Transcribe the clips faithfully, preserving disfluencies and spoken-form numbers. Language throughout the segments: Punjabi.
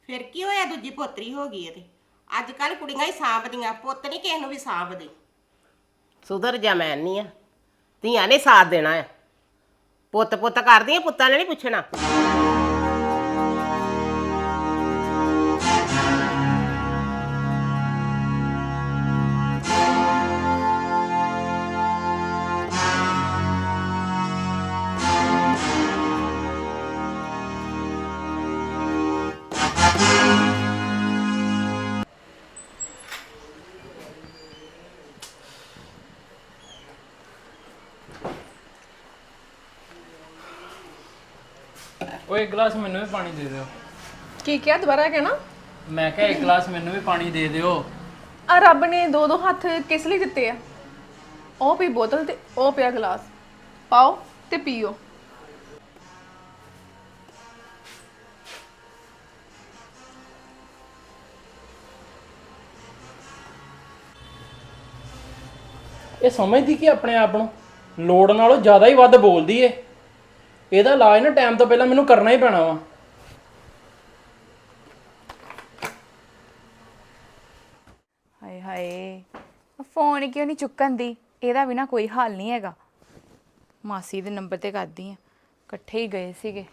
ਫਿਰ ਕੀ ਹੋਇਆ ਦੂਜੀ ਪੋਤਰੀ ਹੋ ਗਈ ਇਹਦੇ ਅੱਜ ਕੱਲ ਕੁੜੀਆਂ ਹੀ ਸਾਂਭਦੀਆਂ ਪੁੱਤ ਨਹੀਂ ਕਿਸੇ ਨੂੰ ਵੀ ਸਾਂਭਦੇ ਸੁਧਰ ਜਾ ਮੈਂ ਨਹੀਂ ਆ ਧੀਆਂ ਨੇ ਸਾਥ ਦੇਣਾ ਆ ਪੁੱਤ ਪੁੱਤ ਕਰਦੀਆਂ ਪੁੱਤਾਂ ਨੇ ਨਹੀਂ ਪੁੱਛਣਾ ਉਹ ਇੱਕ ਗਲਾਸ ਮੈਨੂੰ ਵੀ ਪਾਣੀ ਦੇ ਦਿਓ ਕੀ ਕਿਹਾ ਦੁਬਾਰਾ ਕਹਿਣਾ ਮੈਂ ਕਿਹਾ ਇੱਕ ਗਲਾਸ ਮੈਨੂੰ ਵੀ ਪਾਣੀ ਦੇ ਦਿਓ ਆ ਰੱਬ ਨੇ ਦੋ ਦੋ ਹੱਥ ਕਿਸ ਲਈ ਦਿੱਤੇ ਆ ਉਹ ਪੀ ਬੋਤਲ ਤੇ ਉਹ ਪਿਆ ਗਲਾਸ ਪਾਓ ਤੇ ਪੀਓ ਇਹ ਸਮਝਦੀ ਕਿ ਆਪਣੇ ਆਪ ਨੂੰ ਲੋੜ ਨਾਲੋਂ ਜ਼ਿਆਦਾ ਹੀ ਵੱਧ ਬੋਲਦੀ ਏ ਇਹਦਾ ਇਲਾਜ ਨਾ ਟਾਈਮ ਤੋਂ ਪਹਿਲਾਂ ਮੈਨੂੰ ਕਰਨਾ ਹੀ ਪੈਣਾ ਵਾ ਹਾਏ ਹਾਏ ਫੋਨ ਕਿਉਂ ਨਹੀਂ ਚੁੱਕਣ ਦੀ ਇਹਦਾ ਵੀ ਨਾ ਕੋਈ ਹੱਲ ਨਹੀਂ ਹੈਗਾ ਮਾਸੀ ਦੇ ਨੰਬਰ ਤੇ ਕਰਦੀ ਆ ਇਕੱਠੇ ਹੀ ਗਏ ਸੀਗੇ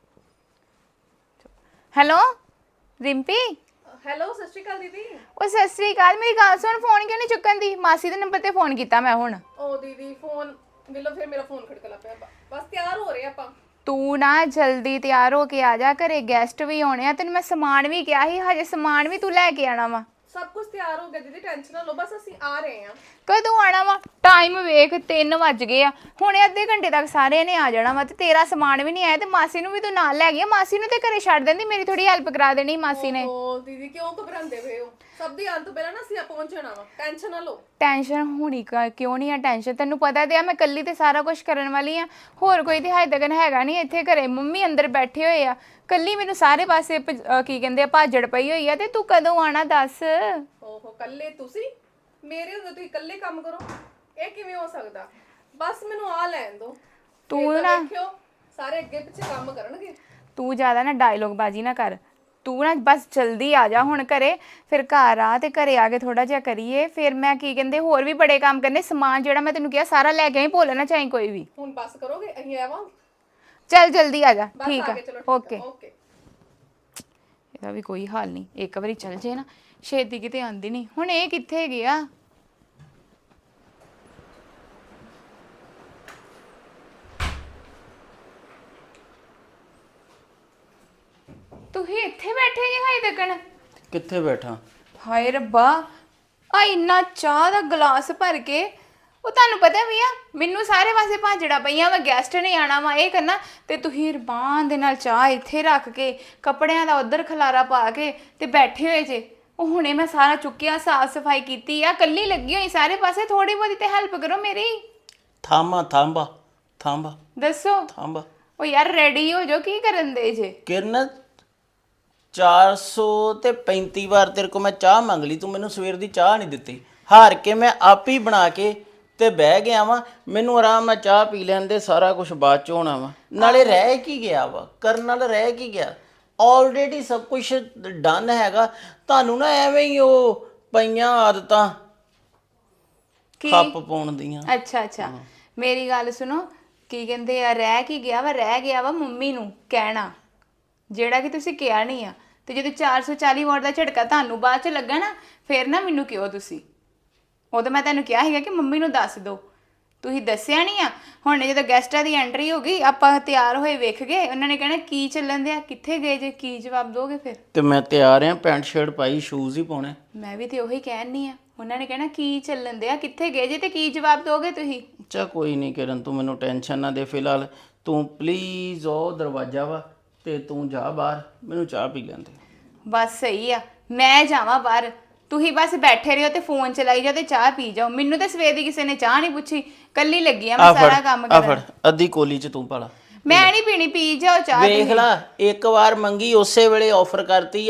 ਹੈਲੋ ਰਿੰਪੀ ਹੈਲੋ ਸਤਿ ਸ਼੍ਰੀ ਅਕਾਲ ਦੀਦੀ ਉਹ ਸਤਿ ਸ੍ਰੀ ਅਕਾਲ ਮੇਰੀ ਗੱਲ ਸੁਣ ਫੋਨ ਕਿਉਂ ਨਹੀਂ ਚੁੱਕਣ ਦੀ ਮਾਸੀ ਦੇ ਨੰਬਰ ਤੇ ਫੋਨ ਕੀਤਾ ਮੈਂ ਹੁਣ ਉਹ ਦੀਦੀ ਫੋਨ ਮਿਲੋ ਫਿਰ ਮੇਰਾ ਫੋਨ ਖੜਕਲਾ ਪਿਆ ਬਸ ਤਿਆਰ ਹੋ ਰਹੇ ਆਪਾਂ ਤੂੰ ਨਾ ਜਲਦੀ ਤਿਆਰ ਹੋ ਕੇ ਆ ਜਾ ਘਰੇ ਗੈਸਟ ਵੀ ਆਉਣੇ ਆ ਤੈਨੂੰ ਮੈਂ ਸਮਾਨ ਵੀ ਕਿਹਾ ਸੀ ਹਜੇ ਸਮਾਨ ਵੀ ਤੂੰ ਲੈ ਕੇ ਆਣਾ ਵਾ ਸਭ ਕੁਝ ਤਿਆਰ ਹੋ ਗਿਆ ਦੀਦੀ ਟੈਨਸ਼ਨ ਨਾ ਲਓ ਬਸ ਅਸੀਂ ਆ ਰਹੇ ਹਾਂ ਕਦੋਂ ਆਣਾ ਵਾ ਟਾਈਮ ਵੇਖ ਤਿੰਨ ਵੱਜ ਗਏ ਆ ਹੁਣੇ ਅੱਧੇ ਘੰਟੇ ਤੱਕ ਸਾਰਿਆਂ ਨੇ ਆ ਜਾਣਾ ਵਾ ਤੇ ਤੇਰਾ ਸਮਾਨ ਵੀ ਨਹੀਂ ਆਇਆ ਤੇ ਮਾਸੀ ਨੂੰ ਵੀ ਤੂੰ ਨਾਲ ਲੈ ਗਿਆ ਮਾਸੀ ਨੂੰ ਤੇ ਘਰੇ ਛੱਡ ਦਿੰਦੀ ਮੇਰੀ ਥੋੜੀ ਹੈਲਪ ਕਰਾ ਦੇਣੀ ਮਾਸੀ ਨੇ ਓ ਦੀਦੀ ਕਿਉਂ ਘਬਰਾਉਂਦੇ ਪਏ ਹੋ ਸਭ ਦੀ ਆਉਣ ਤੋਂ ਪਹਿਲਾਂ ਨਾ ਅਸੀਂ ਆ ਪਹੁੰਚ ਜਾਣਾ ਵਾ ਟੈਨਸ਼ਨ ਨਾ ਲਓ ਟੈਨਸ਼ਨ ਹੋਣੀ ਕਾ ਕਿਉਂ ਨਹੀਂ ਆ ਟੈਨਸ਼ਨ ਤੈਨੂੰ ਪਤਾ ਤੇ ਆ ਮੈਂ ਕੱਲੀ ਤੇ ਸਾਰਾ ਕੁਝ ਕਰਨ ਵਾਲੀ ਆ ਹੋਰ ਕੋਈ ਤੇ ਹਾਇ ਤੱਕ ਹੈਗਾ ਨਹੀਂ ਇੱਥੇ ਘਰੇ ਮੰਮੀ ਅੰਦਰ ਬੈਠੇ ਹੋਏ ਆ ਕੱਲੀ ਮੈਨੂੰ ਸਾਰੇ ਪਾਸੇ ਕੀ ਕਹਿੰਦੇ ਆ ਭਾਜੜ ਪਈ ਹੋਈ ਆ ਤੇ ਤੂੰ ਕਦੋਂ ਆਣਾ ਦੱਸ ਓਹੋ ਕੱਲੇ ਤੁਸੀਂ ਮੇਰੇ ਹੁੰਦੇ ਤੁਸੀਂ ਇਕੱਲੇ ਕੰਮ ਕਰੋ ਇਹ ਕਿਵੇਂ ਹੋ ਸਕਦਾ ਬਸ ਮੈਨੂੰ ਆ ਲੈਣ ਦੋ ਤੂੰ ਨਾ ਦੇਖਿਓ ਸਾਰੇ ਅੱਗੇ ਪਿੱਛੇ ਕੰਮ ਕਰਨਗੇ ਤੂੰ ਜ਼ਿਆਦਾ ਨਾ ਡਾਇਲੋਗ ਬਾਜੀ ਨਾ ਕਰ ਤੂੰ ਨਾ ਬਸ ਜਲਦੀ ਆ ਜਾ ਹੁਣ ਘਰੇ ਫਿਰ ਘਰ ਆ ਤੇ ਘਰੇ ਆ ਕੇ ਥੋੜਾ ਜਿਹਾ ਕਰੀਏ ਫਿਰ ਮੈਂ ਕੀ ਕਹਿੰਦੇ ਹੋਰ ਵੀ ਬੜੇ ਕੰਮ ਕਰਨੇ ਸਮਾਨ ਜਿਹੜਾ ਮੈਂ ਤੈਨੂੰ ਕਿਹਾ ਸਾਰਾ ਲੈ ਕੇ ਆਈ ਭੁੱਲ ਨਾ ਚਾਹੀਂ ਕੋਈ ਵੀ ਹੁਣ ਬਸ ਕਰੋਗੇ ਅਸੀਂ ਆਵਾਂ ਚੱਲ ਜਲਦੀ ਆ ਜਾ ਬਸ ਠੀਕ ਆ ਆ ਗਏ ਚਲੋ ਓਕੇ ਓਕੇ ਇਹਦਾ ਵੀ ਕੋਈ ਹਾਲ ਨਹੀਂ ਇੱਕ ਵਾਰੀ ਚੱਲ ਜੇ ਨਾ ਛੇਤੀ ਕਿਤੇ ਆਂਦੀ ਨਹੀਂ ਹੁਣ ਇਹ ਕਿੱਥੇ ਗਿਆ ਤੁਸੀਂ ਇੱਥੇ ਬੈਠੇ ਜੀ ਹਾਈ ਤੱਕਣ ਕਿੱਥੇ ਬੈਠਾ ਹਾਏ ਰੱਬਾ ਆ ਇੰਨਾ ਚਾਹ ਦਾ ਗਲਾਸ ਭਰ ਕੇ ਉਹ ਤੁਹਾਨੂੰ ਪਤਾ ਵੀ ਆ ਮੈਨੂੰ ਸਾਰੇ ਪਾਸੇ ਭਾਜੜਾ ਪਈਆਂ ਵਾ ਗੈਸਟ ਨੇ ਆਣਾ ਵਾ ਇਹ ਕਰਨਾ ਤੇ ਤੁਸੀਂ ਰਬਾਨ ਦੇ ਨਾਲ ਚਾਹ ਇੱਥੇ ਰੱਖ ਕੇ ਕੱਪੜਿਆਂ ਦਾ ਉਧਰ ਖਲਾਰਾ ਪਾ ਕੇ ਤੇ ਬੈਠੇ ਹੋਏ ਜੇ ਉਹ ਹੁਣੇ ਮੈਂ ਸਾਰਾ ਚੁੱਕਿਆ ਸਾਫ ਸਫਾਈ ਕੀਤੀ ਆ ਕੱਲੀ ਲੱਗੀ ਹੋਈ ਸਾਰੇ ਪਾਸੇ ਥੋੜੀ ਬਹੁਤੀ ਤੇ ਹੈਲਪ ਕਰੋ ਮੇਰੀ ਥਾਮਾ ਥਾਂਬਾ ਥਾਂਬਾ ਦੱਸੋ ਥਾਂਬਾ ਉਹ ਯਾਰ ਰੈਡੀ ਹੋ ਜੋ ਕੀ ਕਰਨ ਦੇ ਜੇ ਕਿਰਨ ਚਾਰ ਸੌ ਤੇ ਪੈਂਤੀ ਵਾਰ ਤੇਰੇ ਕੋ ਮੈਂ ਚਾਹ ਮੰਗ ਲਈ ਤੂੰ ਮੈਨੂੰ ਸਵੇਰ ਦੀ ਚਾਹ ਨਹੀਂ ਦਿੱਤੀ ਹਾਰ ਕੇ ਮੈਂ ਆਪ ਹੀ ਬਣਾ ਕੇ ਤੇ ਬਹਿ ਗਿਆ ਵਾਂ ਮੈਨੂੰ ਆਰਾਮ ਨਾਲ ਚਾਹ ਪੀ ਲੈਣ ਦੇ ਸਾਰਾ ਕੁਝ ਬਾਅਦ ਚ ਹੋਣਾ ਵਾ ਨਾਲੇ ਰਹਿ ਕੀ ਗਿਆ ਵਾ ਕਰਨ ਨਾਲ ਰਹਿ ਕੀ ਗਿਆ ਆਲਰੇਡੀ ਸਭ ਕੁਝ ਡਨ ਹੈਗਾ ਤੁਹਾਨੂੰ ਨਾ ਐਵੇਂ ਹੀ ਉਹ ਪਈਆਂ ਆਦਤਾਂ ਕੀ ਖੱਪ ਪਾਉਣ ਦੀਆਂ ਅੱਛਾ ਅੱਛਾ ਮੇਰੀ ਗੱਲ ਸੁਣੋ ਕੀ ਕਹਿੰਦੇ ਆ ਰਹਿ ਕੀ ਗਿਆ ਵਾ ਰਹਿ ਗਿਆ ਵਾ ਮੰਮੀ ਨੂੰ ਕਹਿਣਾ ਜਿਹੜਾ ਕਿ ਤੁਸੀਂ ਕਿਹਾ ਨਹੀਂ ਆ ਤੇ ਜਦੋਂ ਚਾਰ ਸੌ ਚਾਲੀ ਵਾਟ ਦਾ ਝਟਕਾ ਤੁਹਾਨੂੰ ਬਾਅਦ ਚ ਲੱਗਾ ਨਾ ਫਿਰ ਨਾ ਮੈਨੂੰ ਕਿਉਂ ਤੁਸੀਂ ਉਦੋਂ ਮੈਂ ਤੁਹਾਨੂੰ ਕਿਹਾ ਸੀਗਾ ਕਿ ਮੰਮੀ ਨੂੰ ਦੱਸ ਦਿਓ ਤੁਸੀਂ ਦੱਸਿਆ ਨਹੀਂ ਆ ਹੁਣ ਜਦੋਂ ਗੈਸਟਾਂ ਦੀ ਐਂਟਰੀ ਹੋ ਗਈ ਆਪਾਂ ਤਿਆਰ ਹੋਏ ਵੇਖ ਗਏ ਉਹਨਾਂ ਨੇ ਕਹਿਣਾ ਕੀ ਚੱਲਣ ਦਿਆ ਕਿੱਥੇ ਗਏ ਜੇ ਕੀ ਜਵਾਬ ਦੋਗੇ ਫਿਰ ਤੇ ਮੈਂ ਤਿਆਰ ਆ ਪੈਂਟ ਸ਼ਰਟ ਪਾਈ ਸ਼ੂਜ਼ ਹੀ ਪਾਉਣੇ ਮੈਂ ਵੀ ਤੇ ਉਹੀ ਕਹਿਣੀ ਆ ਉਹਨਾਂ ਨੇ ਕਹਿਣਾ ਕੀ ਚੱਲਣ ਦਿਆ ਕਿੱਥੇ ਗਏ ਜੇ ਤੇ ਕੀ ਜਵਾਬ ਦੋਗੇ ਤੁਸੀਂ ਚਾ ਕੋਈ ਨਹੀਂ ਕਿਰਨ ਤੂੰ ਮੈਨੂੰ ਟੈਨਸ਼ਨ ਨਾ ਦੇ ਫਿਲਹਾਲ ਤੂੰ ਪਲੀਜ਼ ਉਹ ਦਰਵਾਜ਼ਾ ਵਾ ਤੇ ਤੂੰ ਜਾ ਬਾਹਰ ਮੈਨੂੰ ਚਾਹ ਪੀ ਲੈਂਦੇ ਬਸ ਸਹੀ ਆ ਮੈਂ ਜਾਵਾਂ ਬਾਹਰ ਤੁਸੀਂ ਬਸ ਬੈਠੇ ਰਹੋ ਤੇ ਫੋਨ ਚਲਾਈ ਜਾਓ ਤੇ ਚਾਹ ਪੀ ਜਾਓ ਮੈਨੂੰ ਤਾਂ ਸਵੇਰ ਦੀ ਕਿਸੇ ਨੇ ਚਾਹ ਨਹੀਂ ਪੁੱਛੀ ਕੱਲੀ ਲੱਗੀ ਆ ਮੈਂ ਸਾਰਾ ਕੰਮ ਆ ਫੜ ਕਰਨ ਅੱਧੀ ਕੋਲੀ ਚ ਤੂੰ ਪਾਲਾ ਮੈਂ ਨਹੀਂ ਪੀਣੀ ਪੀ ਜਾਓ ਚਾਹ ਵੇਖ ਲਾ ਇੱਕ ਵਾਰ ਮੰਗੀ ਉਸੇ ਵੇਲੇ ਆਫਰ ਕਰਤੀ ਆ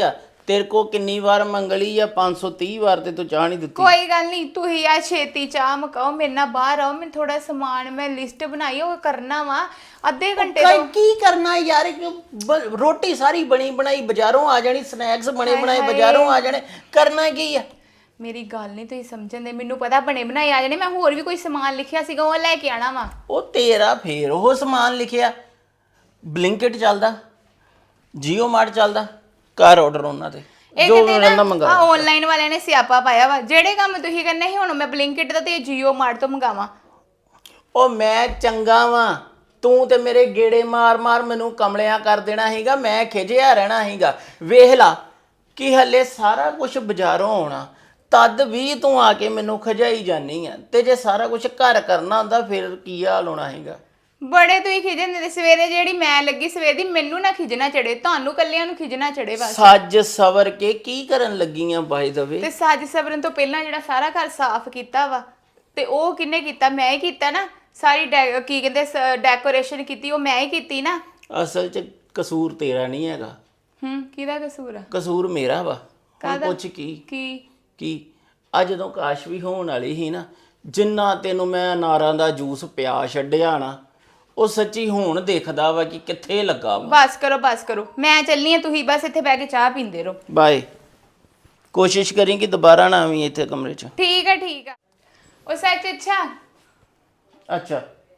ਤੇਰੇ ਕੋ ਕਿੰਨੀ ਵਾਰ ਮੰਗਲੀ ਆ? ਪੰਜ ਸੌ ਤੀਹ ਵਾਰ ਤੇ ਤੂੰ ਚਾਹ ਨਹੀਂ ਦਿੱਤੀ। ਕੋਈ ਗੱਲ ਨਹੀਂ, ਤੁਸੀਂ ਆ ਛੇਤੀ ਚਾਹ ਮਕਾਓ, ਮੇਰੇ ਨਾਲ ਬਾਹਰ ਆਓ, ਮੈਨੂੰ ਥੋੜਾ ਸਮਾਨ ਮੈਂ ਲਿਸਟ ਬਣਾਈ ਉਹ ਕਰਨਾ ਵਾ ਅੱਧੇ ਘੰਟੇ ਕਈ ਤੋਂ। ਕੀ ਕਰਨਾ ਯਾਰ, ਕਿ ਬ- ਰੋਟੀ ਸਾਰੀ ਬਣੀ ਬਣਾਈ ਬਾਜ਼ਾਰੋਂ ਆ ਜਾਣੀ, ਸਨੈਕਸ ਬਣੇ ਬਣਾਏ ਬਾਜ਼ਾਰੋਂ ਆ ਜਾਣੇ, ਕਰਨਾ ਕੀ ਆ? ਮੇਰੀ ਗੱਲ ਨਹੀਂ ਤੁਸੀਂ ਸਮਝਣ ਦੇ, ਮੈਨੂੰ ਪਤਾ ਬਣੇ ਬਣਾਏ ਆ ਜਾਣੇ, ਮੈਂ ਹੋਰ ਵੀ ਕੋਈ ਸਮਾਨ ਲਿਖਿਆ ਸੀਗਾ ਉਹ ਲੈ ਕੇ ਆਣਾ ਵਾ। ਉਹ ਤੇਰਾ ਫੇਰ ਉਹ ਸਮਾਨ ਲਿਖਿਆ। ਬਲਿੰਕਿਟ ਚੱਲਦਾ, ਜੀਓ ਮਾਰਟ ਚੱਲਦਾ, ਕਰ ਆਰਡਰ ਉਹਨਾਂ ਤੇ ਇਹ ਜੋ ਕਿਤੇ ਰਹਿੰਦਾ ਨਾ ਮੰਗਾ। ਆ ਆਨਲਾਈਨ ਵਾਲਿਆਂ ਨੇ ਸਿਆਪਾ ਪਾਇਆ ਵਾ, ਜਿਹੜੇ ਕੰਮ ਤੁਸੀਂ ਕਰਨੇ ਸੀ ਹੁਣ ਮੈਂ ਬਲਿੰਕਿਟ ਤੋਂ ਤੇ ਜੀਓ ਮਾਰਟ ਤੋਂ ਮੰਗਾਵਾਂ। ਉਹ ਮੈਂ ਚੰਗਾ ਵਾਂ, ਤੂੰ ਤੇ ਮੇਰੇ ਗੇੜੇ ਮਾਰ ਮਾਰ ਮੈਨੂੰ ਕਮਲਿਆਂ ਕਰ ਦੇਣਾ ਹੈਗਾ, ਮੈਂ ਖਿਜਿਆ ਰਹਿਣਾ ਹੈਗਾ। ਵੇਖ ਲਾ ਕਿ ਹੱਲੇ ਸਾਰਾ ਕੁਝ ਬਾਜ਼ਾਰੋਂ ਆਉਣਾ, ਤਦ ਵੀ ਤੂੰ ਆ ਕੇ ਮੈਨੂੰ ਖਜਾਈ ਜਾਨੀ ਆ। ਤੇ ਜੇ ਸਾਰਾ ਕੁਝ ਘਰ ਕਰਨਾ ਹੁੰਦਾ ਫਿਰ ਕੀ ਹਾਲ ਹੋਣਾ ਹੈਗਾ? ਬੜੇ ਤੁਸੀਂ ਖਿਜਣ ਦੇ, ਸਵੇਰੇ ਜਿਹੜੀ ਮੈਂ ਲੱਗੀ ਸਵੇਰ ਦੀ, ਮੈਨੂੰ ਨਾ ਖਿਜਣਾ ਚੜੇ, ਤੁਹਾਨੂੰ ਕੱਲਿਆਂ ਨੂੰ ਖਿਜਣਾ ਚੜੇ ਬਸ। ਸੱਜ ਸਵਰ ਕੇ ਕੀ ਕਰਨ ਲੱਗੀਆਂ ਬਾਈ ਦਵੇ? ਤੇ ਸੱਜ ਸਵਰਨ ਤੋਂ ਪਹਿਲਾਂ ਜਿਹੜਾ ਸਾਰਾ ਘਰ ਸਾਫ਼ ਕੀਤਾ ਵਾ, ਤੇ ਉਹ ਕਿੰਨੇ ਕੀਤਾ? ਮੈਂ ਹੀ ਕੀਤਾ ਨਾ। ਸਾਰੀ ਡੈ- ਕੀ ਕਹਿੰਦੇ ਡੈਕੋਰੇਸ਼ਨ ਕੀਤੀ ਉਹ ਮੈਂ ਹੀ ਕੀਤੀ ਨਾ। ਅਸਲ 'ਚ ਕਸੂਰ ਤੇਰਾ ਨਹੀਂ ਹੈਗਾ, ਹੂੰ, ਕਿਹਦਾ ਕਸੂਰ ਆ? ਕਸੂਰ ਮੇਰਾ ਵਾ। ਹੁਣ ਕਾਹਦਾ? ਪੁੱਛ ਕੀ ਕੀ ਕੀ ਆ ਜਦੋਂ ਕਾਸ਼ ਵੀ ਹੋਣ ਵਾਲੀ ਸੀ ਨਾ, ਜਿੰਨਾ ਤੈਨੂੰ ਮੈਂ ਅਨਾਰਾਂ ਦਾ ਜੂਸ ਪਿਆ ਛੱਡਿਆ ਨਾ, ਉਹ ਸੱਚੀ ਹੁਣ ਦੇਖਦਾ ਵਾ ਕਿ ਕਿੱਥੇ ਲੱਗਾ ਵਾ। ਬਸ ਕਰੋ ਬਸ ਕਰੋ, ਮੈਂ ਚੱਲਨੀ ਆ, ਤੁਸੀਂ ਬਸ ਇੱਥੇ ਬਹਿ ਕੇ ਚਾਹ ਪੀਂਦੇ ਰਹੋ। ਬਾਏ। ਕੋਸ਼ਿਸ਼ ਕਰੀ ਕਿ ਦੁਬਾਰਾ ਨਾ ਆਵੀਂ ਇੱਥੇ ਕਮਰੇ 'ਚ। ਠੀਕ ਆ ਠੀਕ ਆ। ਉਹ ਸੱਚ ਅੱਛਾ, ਅੱਛਾ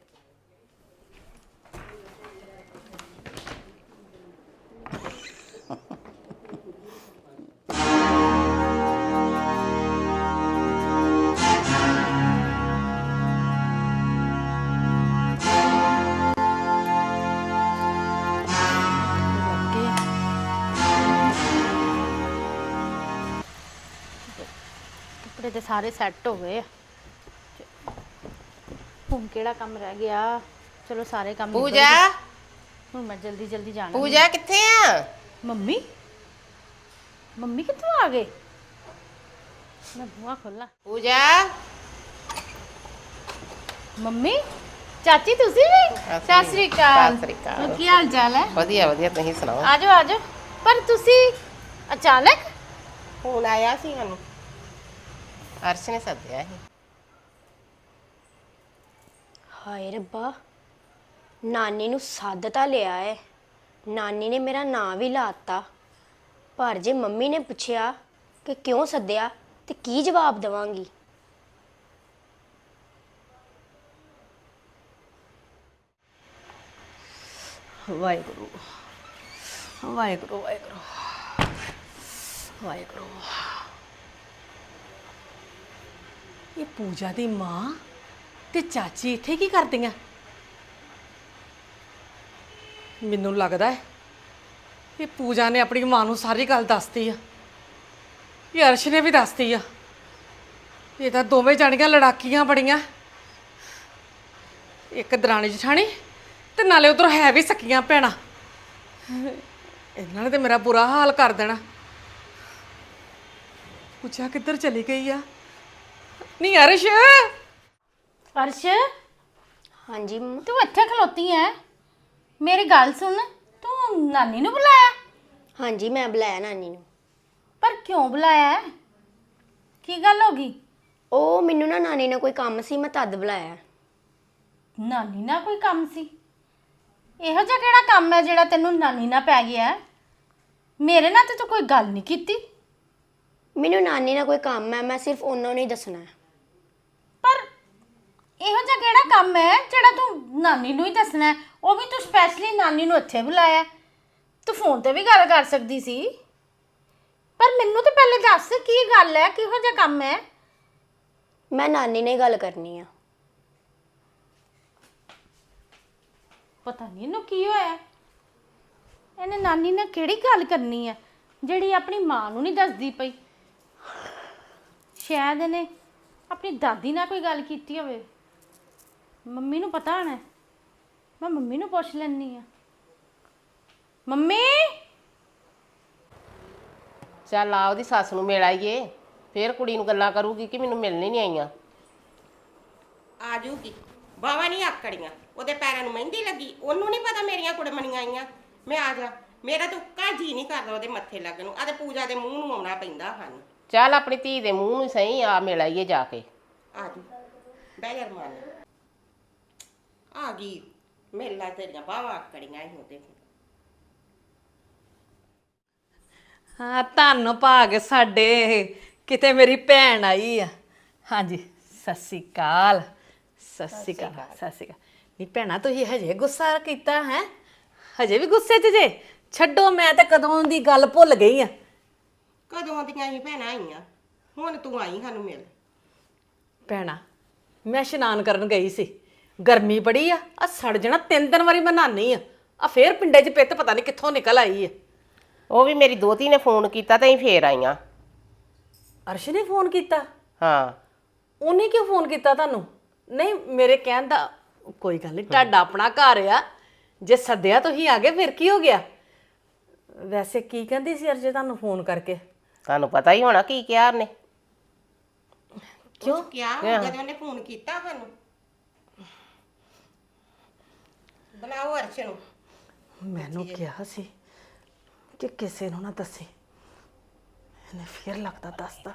ਕੱਪੜੇ ਤੇ ਸਾਰੇ ਸੈੱਟ ਹੋ ਗਏ ਆ। ਹੁਣ ਕਿਹੜਾ ਕੰਮ ਰਹਿ ਗਿਆ? ਚਲੋ ਸਾਰੇ ਕੰਮ ਨਿਬੜ ਪੂਜਾ ਗਏ। ਹੁਣ ਮੈਂ ਜਲਦੀ ਜਲਦੀ ਜਾਣਾ। ਪੂਜਾ ਕਿੱਥੇ ਆ? ਮੰਮੀ ਮੰਮੀ ਕਿੱਥੋਂ ਆ ਗਏ? ਮੈਂ ਬੂਹਾ ਖੋਲਾਂ। ਪੂਜਾ ਮੰਮੀ, ਚਾਚੀ ਤੁਸੀਂ ਵੀ? ਸਤਿ ਸ੍ਰੀ ਅਕਾਲ। ਸਤਿ ਸ੍ਰੀ ਅਕਾਲ। ਕੀ ਹਾਲ ਚਾਲ ਹੈ? ਵਧੀਆ ਵਧੀਆ, ਤੁਸੀਂ ਸੁਣਾਓ? ਆਜੋ ਆਜੋ। ਪਰ ਤੁਸੀਂ ਅਚਾਨਕ? ਫੋਨ ਆਇਆ ਸੀ ਮੈਨੂੰ, ਅਰਸ਼ ਨੇ ਸੱਦਿਆ ਸੀ। ਹਾਏ ਰੱਬਾ, ਨਾਨੀ ਨੂੰ ਸੱਦ ਤਾਂ ਲਿਆ ਏ, ਨਾਨੀ ਨੇ ਮੇਰਾ ਨਾਂ ਵੀ ਲਾਤਾ, ਪਰ ਜੇ ਮੰਮੀ ਨੇ ਪੁੱਛਿਆ ਕਿ ਕਿਉਂ ਸੱਦਿਆ ਤੇ ਕੀ ਜਵਾਬ ਦੇਵਾਂਗੀ? ਵਾਹਿਗੁਰੂ ਵਾਹਿਗੁਰੂ ਵਾਹਿਗੁਰੂ ਵਾਹਿਗੁਰੂ। ਇਹ ਪੂਜਾ ਦੀ ਮਾਂ ਤੇ ਚਾਚੀ ਇੱਥੇ ਕੀ ਕਰਦੀਆਂ? ਮੈਨੂੰ ਲੱਗਦਾ ਹੈ ਇਹ ਪੂਜਾ ਨੇ ਆਪਣੀ ਮਾਂ ਨੂੰ ਸਾਰੀ ਗੱਲ ਦੱਸਤੀ ਆ, ਇਹ ਅਰਸ਼ ਨੇ ਵੀ ਦੱਸਤੀ ਆ। ਇਹ ਤਾਂ ਦੋਵੇਂ ਜਾਣੀਆਂ ਲੜਾਕੀਆਂ ਬੜੀਆਂ, ਇੱਕ ਦਰਾਣੀ ਜਠਾਣੀ ਤੇ ਨਾਲੇ ਉਧਰ ਹੈ ਵੀ ਸਕੀਆਂ ਭੈਣਾਂ। ਇਹਨਾਂ ਨੇ ਤੇ ਮੇਰਾ ਬੁਰਾ ਹਾਲ ਕਰ ਦੇਣਾ। ਪੂਜਾ ਕਿੱਧਰ ਚਲੀ ਗਈ ਆ? ਨਹੀਂ ਅਰਸ਼, ਅਰਸ਼ ਹਾਂਜੀ ਮੰਮਾ। ਤੂੰ ਇੱਥੇ ਖਲੋਤੀ ਐ? ਮੇਰੀ ਗੱਲ ਸੁਣ, ਤੂੰ ਨਾਨੀ ਨੂੰ ਬੁਲਾਇਆ? ਹਾਂਜੀ ਮੈਂ ਬੁਲਾਇਆ ਨਾਨੀ ਨੂੰ। ਪਰ ਕਿਉਂ ਬੁਲਾਇਆ ਹੈ? ਕੀ ਗੱਲ ਹੋ ਗਈ? ਉਹ ਮੈਨੂੰ ਨਾ ਨਾਨੀ ਨਾਲ ਕੋਈ ਕੰਮ ਸੀ, ਮੈਂ ਤਦ ਬੁਲਾਇਆ। ਨਾਨੀ ਨਾਲ ਕੋਈ ਕੰਮ ਸੀ? ਇਹੋ ਜਿਹਾ ਕਿਹੜਾ ਕੰਮ ਹੈ ਜਿਹੜਾ ਤੈਨੂੰ ਨਾਨੀ ਨਾਲ ਪੈ ਗਿਆ ਹੈ? ਮੇਰੇ ਨਾਲ ਤੇ ਤੂੰ ਕੋਈ ਗੱਲ ਨਹੀਂ ਕੀਤੀ। ਮੈਨੂੰ ਨਾਨੀ ਨਾਲ ਕੋਈ ਕੰਮ ਹੈ, ਮੈਂ ਸਿਰਫ ਉਹਨਾਂ ਨੂੰ ਹੀ ਦੱਸਣਾ ਹੈ। ਪਰ ਇਹੋ ਜਿਹਾ ਕਿਹੜਾ ਕੰਮ ਹੈ ਜਿਹੜਾ ਤੂੰ ਨਾਨੀ ਨੂੰ ਹੀ ਦੱਸਣਾ ਹੈ? ਉਹ ਵੀ ਤੂੰ ਸਪੈਸ਼ਲੀ ਨਾਨੀ ਨੂੰ ਇੱਥੇ ਬੁਲਾਇਆ। ਤੂੰ ਫੋਨ ਤੇ ਵੀ ਗੱਲ ਕਰ ਸਕਦੀ ਸੀ। ਪਰ ਮੈਨੂੰ ਤਾਂ ਪਹਿਲੇ ਦੱਸ ਕੀ ਗੱਲ ਹੈ, ਕਿਹੋ ਜਿਹਾ ਕੰਮ ਹੈ? ਮੈਂ ਨਾਨੀ ਨਾਲ ਹੀ ਗੱਲ ਕਰਨੀ ਆ। ਪਤਾ ਨਹੀਂ ਇਹਨੂੰ ਕੀ ਹੋਇਆ। ਇਹਨੇ ਨਾਨੀ ਨਾਲ ਕਿਹੜੀ ਗੱਲ ਕਰਨੀ ਹੈ ਜਿਹੜੀ ਆਪਣੀ ਮਾਂ ਨੂੰ ਨਹੀਂ ਦੱਸਦੀ ਪਈ? ਸ਼ਾਇਦ ਇਹਨੇ ਆਪਣੀ ਦਾਦੀ ਨਾਲ ਕੋਈ ਗੱਲ ਕੀਤੀ ਹੋਵੇ। ਮੰਮੀ ਨੂੰ ਪਤਾ ਹੋਣਾ, ਮੈਂ ਮੰਮੀ ਨੂੰ ਪੁੱਛ ਲੈਣੀ ਆ। ਮੰਮੀ, ਚੱਲ ਆ ਉਹਦੀ ਸੱਸ ਨੂੰ ਮਿਲ ਆਈਏ, ਫੇਰ ਕੁੜੀ ਨੂੰ ਗੱਲਾਂ ਕਰੂਗੀ ਕਿ ਮੈਨੂੰ ਮਿਲਣੀ ਨਹੀਂ ਆਈਆਂ। ਆ ਜੂਗੀ, ਬਾਵਾ ਨਹੀਂ ਆਕੜੀਆਂ, ਉਹਦੇ ਪੈਰਾਂ ਨੂੰ ਮਹਿੰਦੀ ਲੱਗੀ, ਉਹਨੂੰ ਨਹੀਂ ਪਤਾ ਮੇਰੀਆਂ ਕੁੜਮਣੀਆਂ ਆਈਆਂ। ਮੈਂ ਆ ਜਾ, ਮੇਰਾ ਤਾਂ ਉੱਕਾ ਜੀ ਨਹੀਂ ਕਰਦਾ ਉਹਦੇ ਮੱਥੇ ਲੱਗਣ ਨੂੰ। ਆ ਤੇ ਪੂਜਾ ਦੇ ਮੂੰਹ ਨੂੰ ਆਉਣਾ ਪੈਂਦਾ ਹਨ। ਚੱਲ ਆਪਣੀ ਧੀ ਦੇ ਮੂੰਹ ਨੂੰ ਸਹੀ ਆ ਮਿਲ ਆਈਏ ਜਾ ਕੇ। ਆ ਜੂ ਬਹਿ ਜਾ ਮਾਨ ਆ ਗਈ ਮੇਲਾ ਤੇਰੀਆਂ ਬਾਹਾਂ ਆਕੜੀਆਂ ਹੀ ਉਹਦੇ। ਹਾਂ ਧੰਨ ਭਾਗ ਸਾਡੇ ਕਿਤੇ ਮੇਰੀ ਭੈਣ ਆਈ ਆ। ਹਾਂਜੀ ਸਤਿ ਸ਼੍ਰੀ ਅਕਾਲ ਸਤਿ ਸ਼੍ਰੀ ਅਕਾਲ ਸਤਿ ਸ਼੍ਰੀ ਅਕਾਲ। ਨਹੀਂ ਭੈਣਾ ਤੁਸੀਂ ਹਜੇ ਗੁੱਸਾ ਕੀਤਾ ਹੈ? ਹਜੇ ਵੀ ਗੁੱਸੇ 'ਚ ਜੇ? ਛੱਡੋ, ਮੈਂ ਤਾਂ ਕਦੋਂ ਦੀ ਗੱਲ ਭੁੱਲ ਗਈ ਆ। ਕਦੋਂ ਦੀਆਂ ਹੀ ਭੈਣਾਂ ਆਈਆਂ, ਹੁਣ ਤੂੰ ਆਈ ਸਾਨੂੰ ਮਿਲ। ਭੈਣਾ ਮੈਂ ਇਸ਼ਨਾਨ ਕਰਨ ਗਈ ਸੀ, ਗਰਮੀ ਬੜੀ ਆ, ਆ ਸੜ ਜਾਣਾ। ਤਿੰਨ ਦਿਨ ਵਾਰੀ ਮੈਂ ਨਹਾਨੀ ਆ, ਆ ਫੇਰ ਪਿੰਡੇ 'ਚ ਪਿੱਤ ਪਤਾ ਨਹੀਂ ਕਿੱਥੋਂ ਨਿਕਲ ਆਈ ਆ। ਉਹ ਵੀ ਮੇਰੀ ਦੋਤੀ ਨੇ ਫੋਨ ਕੀਤਾ ਤੇ ਅਸੀਂ ਫੇਰ ਆਈਆਂ। ਅਰਸ਼ ਨੇ ਫੋਨ ਕੀਤਾ? ਹਾਂ। ਉਹਨੇ ਕਿਉਂ ਫੋਨ ਕੀਤਾ ਤੁਹਾਨੂੰ? ਨਹੀਂ ਮੇਰੇ ਕਹਿਣ ਦਾ ਕੋਈ ਗੱਲ ਨਹੀਂ, ਤੁਹਾਡਾ ਆਪਣਾ ਘਰ ਆ, ਜੇ ਸੱਦਿਆ ਤੁਸੀਂ ਆ ਗਏ ਫਿਰ ਕੀ ਹੋ ਗਿਆ? ਵੈਸੇ ਕੀ ਕਹਿੰਦੀ ਸੀ ਅਰਜੇ ਤੁਹਾਨੂੰ ਫੋਨ ਕਰਕੇ? ਤੁਹਾਨੂੰ ਪਤਾ ਹੀ ਹੋਣਾ ਕੀ ਕਿਹਾ ਉਹਨੇ। ਕਿਉਂ ਕਿਹਾ ਜਦੋਂ ਉਹਨੇ ਫੋਨ ਕੀਤਾ ਸਾਨੂੰ। ਬੁਲਾਓ ਅਰਸ਼ ਨੂੰ। ਮੈਨੂੰ ਕਿਹਾ ਸੀ ਕਿ ਕਿਸੇ ਨੂੰ ਨਾ ਦੱਸੇ, ਇਹਨੇ ਫਿਰ ਲੱਗਦਾ ਦੱਸਦਾ।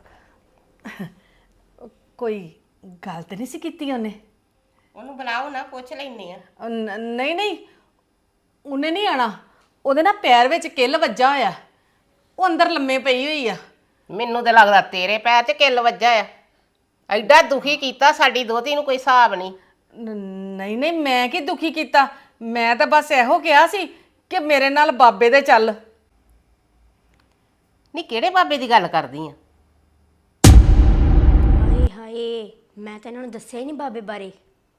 ਕੋਈ ਗੱਲ ਤੇ ਨਹੀਂ ਸੀ ਕੀਤੀ ਉਹਨੇ? ਉਹਨੂੰ ਬੁਲਾਓ ਨਾ, ਪੁੱਛ ਲੈਨੇ ਆ। ਅ, ਨ- ਨਹੀਂ ਨਹੀਂ ਉਹਨੇ ਨਹੀਂ ਆਣਾ। ਉਹਦੇ ਨਾ ਪੈਰ ਵਿੱਚ ਕਿੱਲ ਵੱਜਾ ਹੋਇਆ, ਉਹ ਅੰਦਰ ਲੰਮੇ ਪਈ ਹੋਈ ਆ। ਮੈਨੂੰ ਤੇ ਲੱਗਦਾ ਤੇਰੇ ਪੈਰ 'ਚ ਕਿੱਲ ਵੱਜਾ ਆ। ਐਡਾ ਦੁਖੀ ਕੀਤਾ ਸਾਡੀ ਦੋਤੀ ਨੂੰ ਕੋਈ ਹਿਸਾਬ ਨਹੀਂ। ਨ- ਨਹੀਂ ਨਹੀਂ ਮੈਂ ਕੀ ਦੁਖੀ ਕੀਤਾ, ਮੈਂ ਤਾਂ ਬਸ ਇਹੋ ਕਿਹਾ ਸੀ ਕਿ ਮੇਰੇ ਨਾਲ ਬਾਬੇ ਦੇ ਚੱਲ। ਨਹੀਂ ਕਿਹੜੇ ਬਾਬੇ ਦੀ ਗੱਲ ਕਰਦੀ ਆ? ਹਾਏ ਹਾਏ, ਮੈਂ ਤਾਂ ਇਹਨਾਂ ਨੂੰ ਦੱਸਿਆ ਹੀ ਨਹੀਂ ਬਾਬੇ ਬਾਰੇ।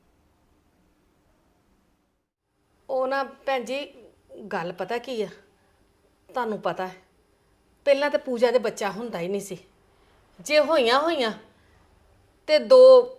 ਉਹ ਨਾ ਭੈਣ ਜੀ ਗੱਲ ਪਤਾ ਕੀ ਆ, ਤੁਹਾਨੂੰ ਪਤਾ ਹੈ ਪਹਿਲਾਂ ਤਾਂ ਪੂਜਾ ਦੇ ਬੱਚਾ ਹੁੰਦਾ ਹੀ ਨਹੀਂ ਸੀ। ਜੇ ਹੋਈਆਂ ਹੋਈਆਂ ਤੇ ਦੋ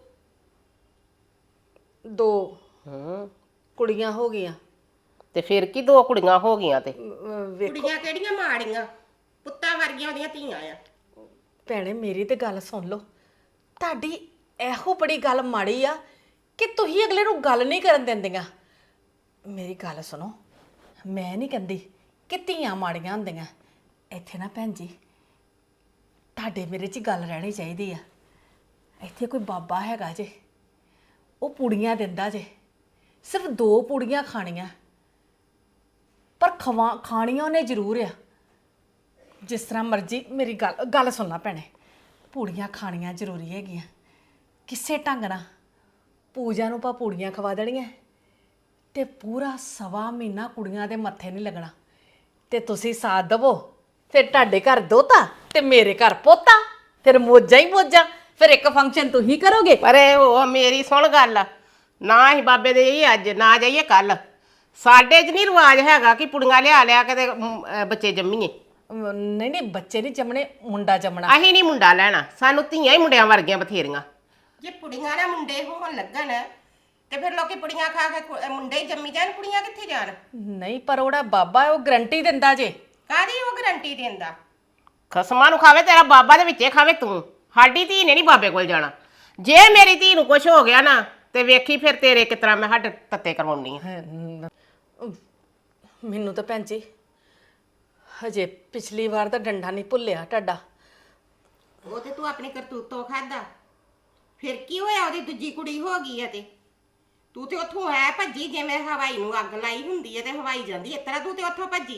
ਦੋ ਹੂੰ ਕੁੜੀਆਂ ਹੋ ਗਈਆਂ। ਤੇ ਫਿਰ ਕੀ ਦੋ ਕੁੜੀਆਂ ਹੋ ਗਈਆਂ? ਤੇ ਅਹ ਵੇਖੋ ਕੁੜੀਆਂ ਕਿਹੜੀਆਂ ਮਾੜੀਆਂ, ਪੁੱਤਾਂ ਵਰਗੀਆਂ ਉਹਦੀਆਂ ਧੀਆਂ ਆ। ਭੈਣੇ ਮੇਰੀ ਤੇ ਗੱਲ ਸੁਣ ਲਓ, ਤੁਹਾਡੀ ਇਹੋ ਬੜੀ ਗੱਲ ਮਾੜੀ ਆ ਕਿ ਤੁਸੀਂ ਅਗਲੇ ਨੂੰ ਗੱਲ ਨਹੀਂ ਕਰਨ ਦਿੰਦੀਆਂ। ਮੇਰੀ ਗੱਲ ਸੁਣੋ, ਮੈਂ ਨਹੀਂ ਕਹਿੰਦੀ ਕਿ ਧੀਆਂ ਮਾੜੀਆਂ ਹੁੰਦੀਆਂ। ਇੱਥੇ ਨਾ ਭੈਣ ਜੀ ਤੁਹਾਡੇ ਮੇਰੇ 'ਚ ਗੱਲ ਰਹਿਣੀ ਚਾਹੀਦੀ ਆ। ਇੱਥੇ ਕੋਈ ਬਾਬਾ ਹੈਗਾ ਜੇ, ਉਹ ਪੂੜੀਆਂ ਦਿੰਦਾ ਜੇ, ਸਿਰਫ ਦੋ ਪੂੜੀਆਂ ਖਾਣੀਆਂ, ਪਰ ਖਵਾ ਖਾਣੀਆਂ ਉਹਨੇ ਜ਼ਰੂਰ ਆ। ਜਿਸ ਤਰ੍ਹਾਂ ਮਰਜ਼ੀ ਮੇਰੀ ਗੱਲ ਗੱਲ ਸੁਣਨਾ ਭੈਣੇ, ਪੂੜੀਆਂ ਖਾਣੀਆਂ ਜ਼ਰੂਰੀ ਹੈਗੀਆਂ। ਕਿਸੇ ਢੰਗ ਨਾਲ ਪੂਜਾ ਨੂੰ ਆਪਾਂ ਪੂੜੀਆਂ ਖਵਾ ਦੇਣੀਆਂ ਤੇ ਪੂਰਾ ਸਵਾ ਮਹੀਨਾ ਕੁੜੀਆਂ ਦੇ ਮੱਥੇ ਨਹੀਂ ਲੱਗਣਾ। ਤੇ ਤੁਸੀਂ ਸਾਥ ਦੇਵੋ, ਫਿਰ ਤੁਹਾਡੇ ਘਰ ਦੋਤਾ ਤੇ ਮੇਰੇ ਘਰ ਪੋਤਾ, ਫਿਰ ਮੋਜਾਂ ਹੀ ਮੋਜਾਂ। ਫਿਰ ਇੱਕ ਫੰਕਸ਼ਨ ਤੁਸੀਂ ਕਰੋਗੇ। ਪਰ ਇਹ ਉਹ ਮੇਰੀ ਸੁਣ ਗੱਲ, ਨਾ ਹੀ ਬਾਬੇ ਦੇ ਇਹ ਅੱਜ ਨਾ ਜਾਈਏ ਕੱਲ। ਸਾਡੇ 'ਚ ਨਹੀਂ ਰਿਵਾਜ ਹੈਗਾ ਕਿ ਪੁੜੀਆਂ ਲਿਆ ਲਿਆ ਕੇ ਤੇ ਮ, ਅਹ, ਬੱਚੇ ਜੰਮੀਏ। ਅਮ, ਨਹੀਂ ਨਹੀਂ ਬੱਚੇ ਨਹੀਂ ਜੰਮਣੇ, ਮੁੰਡਾ ਜੰਮਣਾ। ਅਸੀਂ ਨਹੀਂ ਮੁੰਡਾ ਲੈਣਾ, ਸਾਨੂੰ ਧੀਆਂ ਹੀ ਮੁੰਡਿਆਂ ਵਰਗੀਆਂ ਬਥੇਰੀਆਂ। ਜੇ ਪੁੜੀਆਂ ਨਾ ਮੁੰਡੇ ਹੋਣ ਲੱਗਣ ਤੇ ਫਿਰ ਲੋਕੀ ਪੁੜੀਆਂ ਖਾ ਕੇ ਕੁ- ਮੁੰਡੇ ਹੀ ਜੰਮੀ ਜਾਣ, ਕੁੜੀਆਂ ਕਿੱਥੇ ਜਾਣ? ਨਹੀਂ ਪਰ ਉਹਦਾ ਬਾਬਾ ਉਹ ਗਰੰਟੀ ਦਿੰਦਾ ਜੇ। ਕਾਹਦੀ ਉਹ ਗਰੰਟੀ ਦਿੰਦਾ? ਖਸਮਾਂ ਨੂੰ ਖਾਵੇ ਤੇਰਾ ਬਾਬਾ, ਦੇ ਵਿੱਚੇ ਖਾਵੇ ਤੂੰ। ਸਾਡੀ ਧੀ ਨੇ ਨਹੀਂ ਬਾਬੇ ਕੋਲ ਜਾਣਾ। ਜੇ ਮੇਰੀ ਧੀ ਨੂੰ ਕੁਝ ਹੋ ਗਿਆ ਨਾ ਤੇ ਵੇਖੀ ਫਿਰ ਤੇਰੇ ਕਿਸ ਤਰ੍ਹਾਂ ਮੈਂ ਹੱਡ ਤੱਤੇ ਕਰਵਾਉਣੀ ਆ। ਮੈਨੂੰ ਤਾਂ ਭੈਣ ਜੀ ਹਜੇ ਪਿਛਲੀ ਵਾਰ ਤਾਂ ਡੰਡਾ ਨਹੀਂ ਭੁੱਲਿਆ ਤੁਹਾਡਾ। ਉਹ ਤੇ ਤੂੰ ਆਪਣੀ ਕਰਤੂਤੋਂ ਖਾਦਾ, ਫਿਰ ਕੀ ਹੋਇਆ? ਉਹਦੀ ਦੂਜੀ ਕੁੜੀ ਹੋ ਗਈ ਹੈ ਤੇ ਤੂੰ ਤੇ ਉੱਥੋਂ ਹੈ ਭੱਜੀ, ਜਿਵੇਂ ਹਵਾਈ ਨੂੰ ਅੱਗ ਲਾਈ ਹੁੰਦੀ ਹੈ ਤੇ ਹਵਾਈ ਜਾਂਦੀ ਇਸ ਤਰ੍ਹਾਂ ਤੂੰ ਤੇ ਉੱਥੋਂ ਭੱਜੀ।